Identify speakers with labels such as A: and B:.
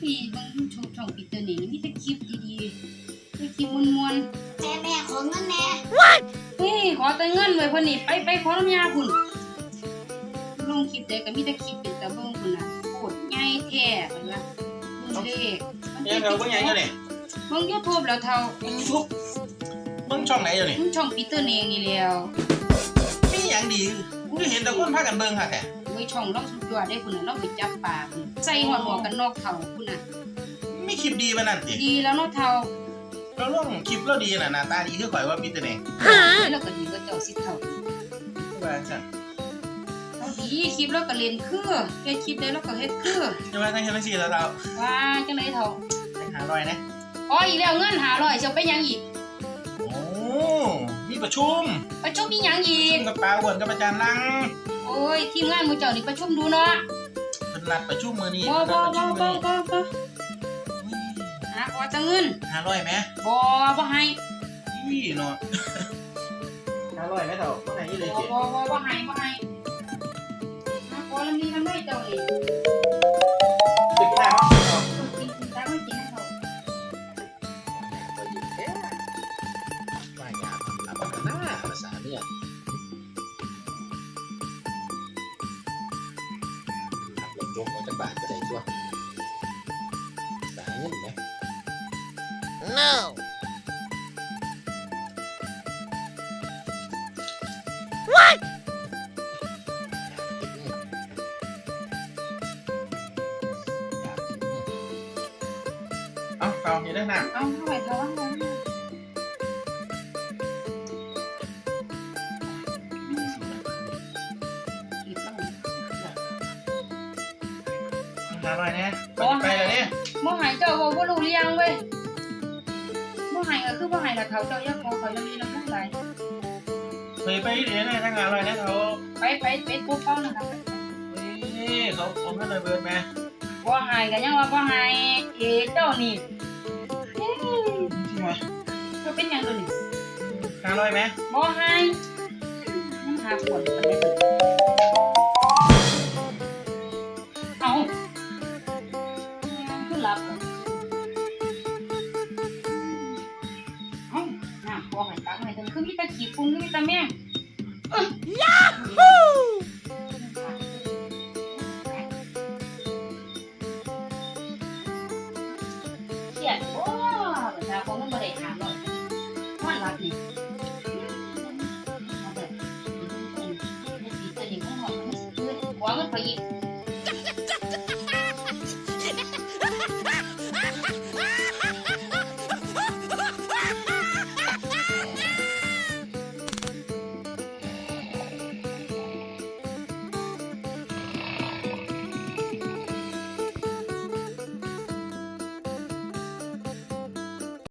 A: พี่เบิ่งช่องปีเตอร์นี่มีแต่คลิปดีๆมีคลิปม่วน
B: ๆแม่ขอเงินแน่
A: ๆนี่ขอแต่เงินไว้เพิ่นนี่ไปขอน้ำยาพุ่นลงคลิปได้ก็มีแต่คลิปเป็นตาเบิ่งพุ่นน่ะโคตรใหญ่แท้เพิ่นว่าเบิ่งเลข
C: ยังเราเบิ่งหยังอยู่นี่
A: เบิ่ง YouTube แล้วเท่า
C: YouTube เบิ่งช่องไหนอยู่นี่
A: ช่องปีเตอร์นี่เองนี่แล้ว
C: มีหยังดีกูเห็นแต่คนพากันเบิ่งค่ะแท้
A: เว้ยช่องเราสุดยอดได้พุ่นน่ะเราไปจับปลาพุ่นใส่หมวกกันน็อกเท่าพุ่นน่ะ
C: มีคลิปดีปานนั้นติ
A: ดีแล้วเนาะเท่า
C: เราลงคลิปเราดีน่ะหน้าตาดีคือข่อยว่ามีแต่นี่
A: แล้วก็ดีก็เจ้าสิเท่า
C: ว่าจัง
A: เอาดีคลิปแล้วก็เล่นคือเฮ็ดคลิปได้แล้วก็เฮ็ดคือ
C: จะว่าจังเฮ็ดจังซี่แล้วเรา
A: ว่าจังได๋เท่า
C: จัง500นะ
A: อ๋ออีกแล้วเงิน500สิเอาไปหยังอีก
C: โอ้มีประชุม
A: มีหยังอีก
C: กับปลาอ้วนกับอาจารย์ลัง
A: โอ้ยทีมงานหมู่เจ้านี่ประชุมดูเนาะ
C: เพิ่นนัดประชุมมื้อนี้
A: บ่หาขอจังเงิน
C: 500มั้ย
A: บ่ให้
C: อีเนาะ500มั้ยเฒ่าบ่ให้อีเลยสิ
A: บ่ให้หาขอแล้วมีทำไมเจ้านี่
C: ตึกได้มั้ย
A: กินได้ไม่กินให้เฒ่า
C: ว่ายาทำกันนะภาษาเนี่ยขับรถยกออกจากบ้านก็ได้ชั่วสาเงินไหม
B: no
C: เอาอย่าได้หนัก
A: เอาเท่าไหร่เท่าว่า500
C: เนี่ยไปแล้วเนี่ย
A: บ่ให้เจ้าบ่รู้เรื่องเว้ยบ่ให้ก็คือบ่ให้ล่ะเฒ่าเจ้าอย่าขอเขายังมีน้ำมันไหล
C: ไปเดี๋ยวนะทาง500นะเขา
A: ไปปุ๊บเป้านะครับ
C: นี่เขาเงินเลยเบิดแม่
A: บ่ให้ก็ยังว่าบ่ให้เจ้านี่
C: จริงไหม
A: ก็เป็นหยังตัวนี้
C: 500ไหม
A: บ่ให้ยังหาขวดปานใดเอาคือหลับเอาน้ำบ่ให้ตักให้ถึงคือมีแต่ขี้ฝุ่นมีแต่แมงยาฮูเครียด